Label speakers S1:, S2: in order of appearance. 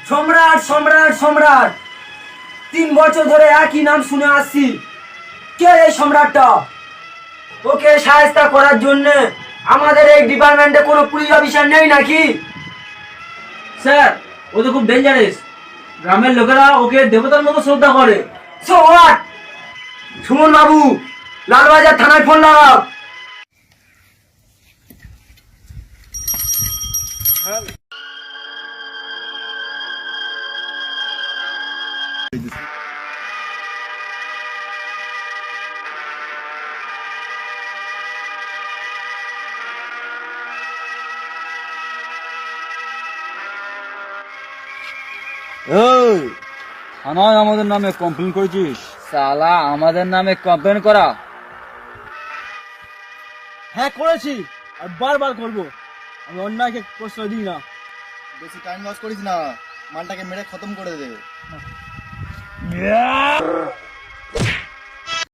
S1: সম্রাট সম্রাট সম্রাট 3 বছর ধরে একই নাম শুনে আসছি। কে এই সম্রাটটা? ওকে সাহায্য করার জন্য আমাদের এই ডিপার্টমেন্টে কোনো পুলিশ অফিসার নেই নাকি?
S2: স্যার, ও তো খুব ডেঞ্জারাস। গ্রামের লোকেরা ওকে দেবতার মতো শ্রদ্ধা করে।
S1: So what? সুমন বাবু, লালবাজার থানায় ফোন লাগাও।
S2: থানায় আমাদের নামে কমপ্লেন করেছিস? সালা, আমাদের নামে কমপ্লেন করা? হ্যাঁ করেছি, আর বারবার করবো। আমি অন্যায়কে প্রশ্রয় দিই না।
S3: বেশি টাইম লস করিস না, মালটাকে মেরে খতম করে দে।